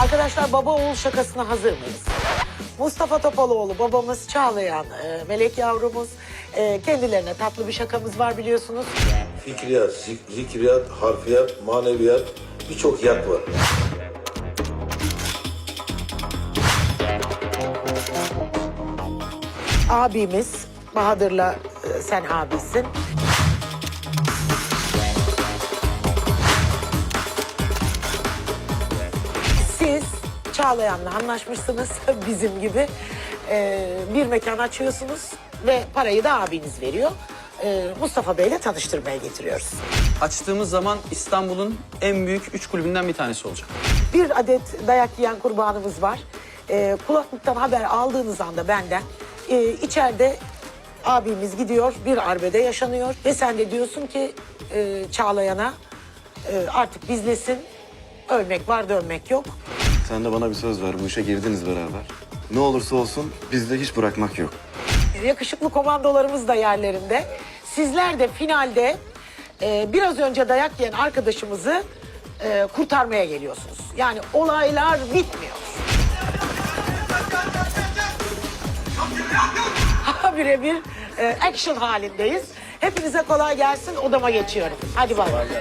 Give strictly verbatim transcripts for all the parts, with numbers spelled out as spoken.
Arkadaşlar baba oğul şakasına hazır mıyız? Mustafa Topaloğlu babamız, Çağlayan e, melek yavrumuz. E, kendilerine tatlı bir şakamız var biliyorsunuz. Fikriyat, zik- zikriyat, harfiyat, maneviyat, birçok yat var. Abimiz Bahadır'la e, sen abisin. Siz Çağlayan'la anlaşmışsınız bizim gibi. E, bir mekan açıyorsunuz ve parayı da abiniz veriyor. E, Mustafa Bey'le tanıştırmaya getiriyoruz. Açtığımız zaman İstanbul'un en büyük üç kulübünden bir tanesi olacak. Bir adet dayak yiyen kurbanımız var. E, kulaklıktan haber aldığınız anda benden e, içeride abimiz gidiyor, bir arbede yaşanıyor ve sen de diyorsun ki e, Çağlayan'a e, artık bizlesin, ölmek var dönmek yok. Sen de bana bir söz ver. Bu işe girdiniz beraber. Ne olursa olsun bizde hiç bırakmak yok. Yakışıklı komandolarımız da yerlerinde. Sizler de finalde e, biraz önce dayak yiyen arkadaşımızı e, kurtarmaya geliyorsunuz. Yani olaylar bitmiyor. Birebir e, action halindeyiz. Hepinize kolay gelsin. Odama geçiyorum. Hadi bay bay.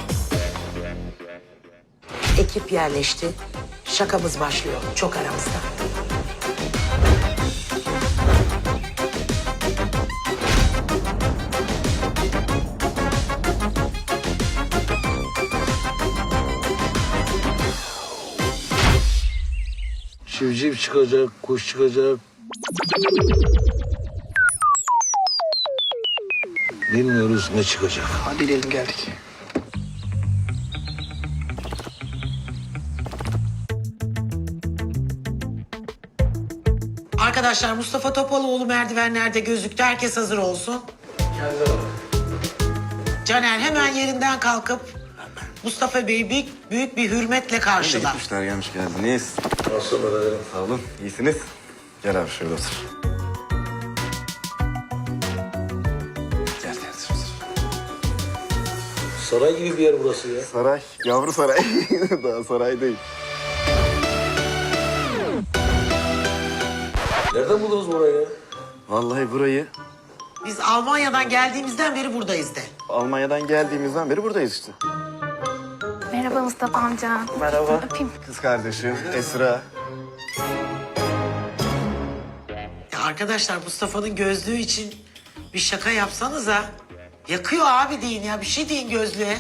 Ekip yerleşti. Şakamız başlıyor. Çok aramızda. Civciv çıkacak, kuş çıkacak. Bilmiyoruz ne çıkacak. Hadi gidelim geldik. Arkadaşlar Mustafa Topaloğlu merdivenlerde gözüktü. Herkes hazır olsun. Caner hemen yerinden kalkıp Mustafa Bey'i büyük, büyük bir hürmetle karşıla. Gitmişler gelmiş geldiniz. Nasıl ederim? Sağ olun. İyisiniz. Gel abi şöyle otur. Gel gel otur. Saray gibi bir yer burası ya. Saray. Yavru saray. Daha saray değil. Nereden buldunuz burayı ya? Vallahi burayı Biz Almanya'dan geldiğimizden beri buradayız de. Almanya'dan geldiğimizden beri buradayız işte. Merhaba Mustafa amca. Merhaba. Öpeyim. Kız kardeşim Esra. Ya arkadaşlar Mustafa'nın gözlüğü için bir şaka yapsanıza. Yakıyor abi deyin ya. Bir şey deyin gözlüğe.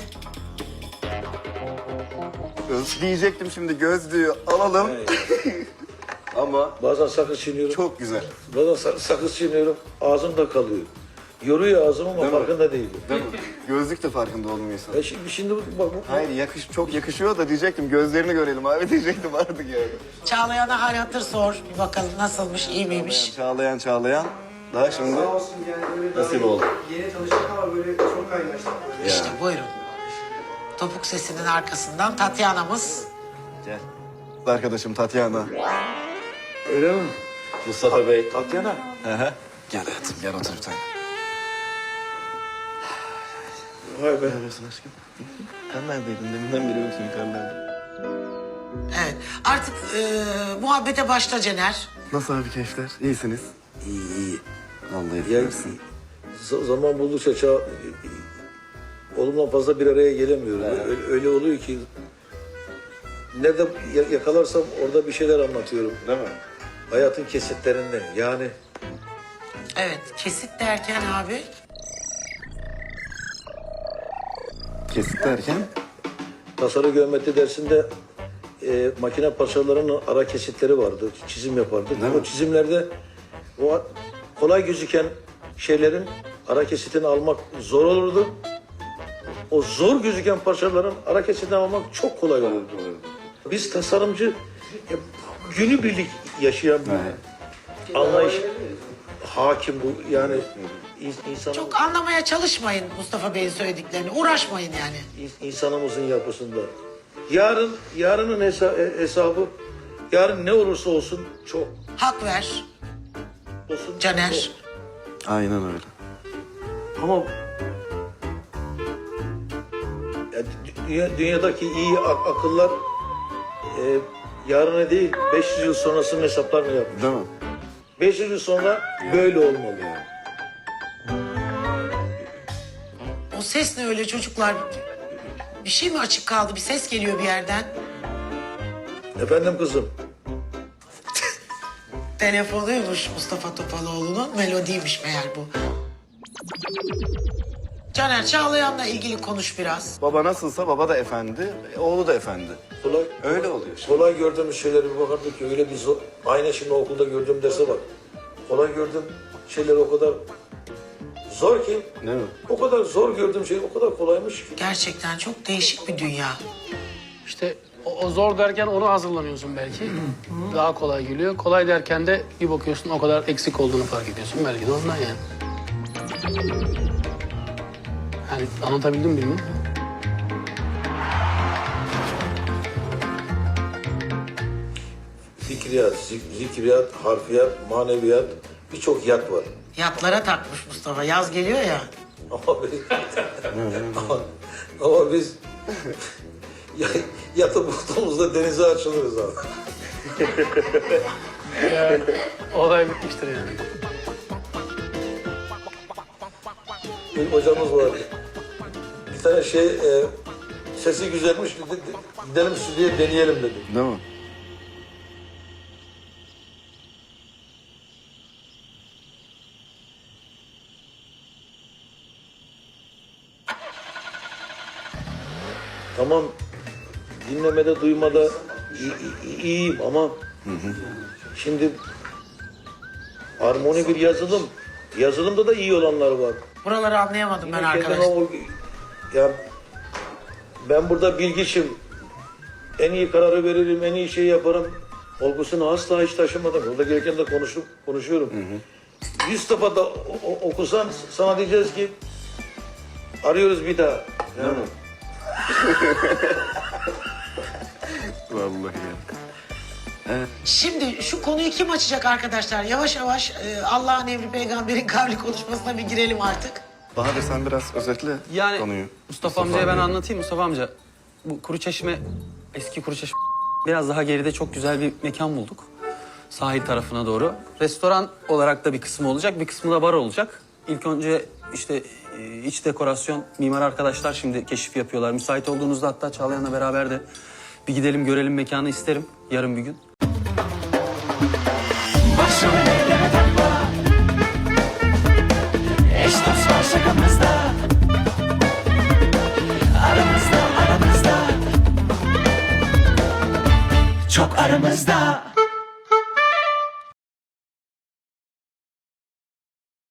Göz diyecektim şimdi gözlüğü alalım. Ama Bazen sakız çiğniyorum. çok güzel. Bazen sa- sakız çiğniyorum. Ağzımda kalıyor. Yoruyor ağzım ama Değil mi? farkında değilim. Değil mi? Gözlük de farkında olmuyorsun. E şimdi, şimdi bu- bak bu... Hayır yakış çok yakışıyor da diyecektim gözlerini görelim abi diyecektim artık yani. Çağlayan'a hal hatır sor. Bir bakalım nasılmış, iyi miymiş? Çağlayan çağlayan. Daha şimdi Sağ olsun yani böyle nasip oldu. yeni tanıştık ama böyle çok kaynaştık. İşte buyurun. Topuk sesinin arkasından Tatyana'mız. Gel. Arkadaşım Tatyana. Öyle mi? Mustafa Bey. Tatyana. Hı hı. Gel hayatım gel otur bir tane. Vay be. Ne yapıyorsun aşkım? Sen neredeydin? Deminden beri yoksun yukarılarda. Evet. Artık e, muhabbete başla Cener. Nasıl abi keyifler? İyisiniz. İyi iyi. Vallahi Ya, bilirsin. z- zaman buldukça çağ... Oğlumla fazla bir araya gelemiyoruz. Öyle, öyle oluyor ki... Nerede ya- yakalarsam orada bir şeyler anlatıyorum. Değil mi? Hayatın kesitlerinden yani... Evet. Kesit derken abi. Kesit derken? Tasarı geometri dersinde e, makine parçalarının ara kesitleri vardı. Çizim yapardık. Değil mi? O çizimlerde o kolay gözüken şeylerin ara kesitini almak zor olurdu. O zor gözüken parçaların ara kesitini almak çok kolay olurdu. Biz tasarımcı ya, günübirlik yaşayan bir anlayış hakim bu yani in- insanın Çok anlamaya çalışmayın Mustafa Bey'in söylediklerini. Uğraşmayın yani. in- insanımızın yapısında. Yarın yarının hesa- e- hesabı yarın ne olursa olsun çok Hak ver olsun. Caner. çok. Aynen öyle. Ama ya, dü- dünya- dünyadaki iyi ak- akıllar e, yarını değil beş yüz yıl sonrasının hesaplarını yapmış. Değil mi? beş yüz yıl sonra böyle olmalı. O ses ne öyle çocuklar? Bir şey mi açık kaldı? Bir ses geliyor bir yerden. Efendim kızım. Telefonuymuş Mustafa Topaloğlu'nun. Melodiymiş meğer bu. Caner, Çağlayan'la ilgili konuş biraz. Baba nasılsa baba da efendi, oğlu da efendi. Kolay, Öyle oluyor. kolay gördüğümüz şeyleri bir bakardık ki öyle bir zor. Aynı şimdi okulda gördüğüm derse bak. Kolay gördüğüm şeyler o kadar zor ki. Değil mi? O kadar zor gördüğüm şey o kadar kolaymış ki. Gerçekten çok değişik bir dünya. İşte o, o zor derken onu hazırlanıyorsun belki. Daha kolay geliyor. Kolay derken de bir bakıyorsun o kadar eksik olduğunu fark ediyorsun. Belki de ondan yani. Yani anlatabildim mi bilmiyorum. Fikriyat, zik- zikriyat, harfiyat, maneviyat birçok yat var. Yatlara takmış Mustafa. Yaz geliyor ya. Ama biz, ama, ama biz ya- yatı bulduğumuzda denize açılırız abi. Yani, olay bitmiştir yani. Bir hocamız vardı. Bir tane şey, e, sesi güzelmiş dedi, gidelim stüdyoya deneyelim dedi. Değil mi? Tamam, dinlemede, duymada i- i- iyiyim ama şimdi harmoni bir yazılım. Yazılımda da iyi olanlar var. Buraları anlayamadım ben Yine kendime arkadaşlar. o- ya ben burada bilgiçim. En iyi kararı veririm, en iyi şeyi yaparım. Olgusunu asla hiç taşımadım. Burada gereken de konuşup konuşuyorum. Yüz defa da o- o- okusan sana diyeceğiz ki arıyoruz bir daha. Yani. Vallahi ya. Şimdi şu konuyu kim açacak arkadaşlar? Yavaş yavaş e, Allah'ın emri peygamberin kavli konuşmasına bir girelim artık. Bahadır sen biraz özetle Yani konuyu. Mustafa, amcaya ben amcaya. anlatayım. Mustafa amca, bu Kuruçeşme, eski Kuruçeşme biraz daha geride çok güzel bir mekan bulduk. Sahil tarafına doğru. Restoran olarak da bir kısmı olacak, bir kısmı da bar olacak. İlk önce işte e, iç dekorasyon, mimar arkadaşlar şimdi keşif yapıyorlar. Müsait olduğunuzda hatta Çağlayan'la beraber de bir gidelim görelim mekanı isterim yarın bir gün. Başım elleme takma. Eş dost var şakamızda. Aramızda aramızda. Çok aramızda.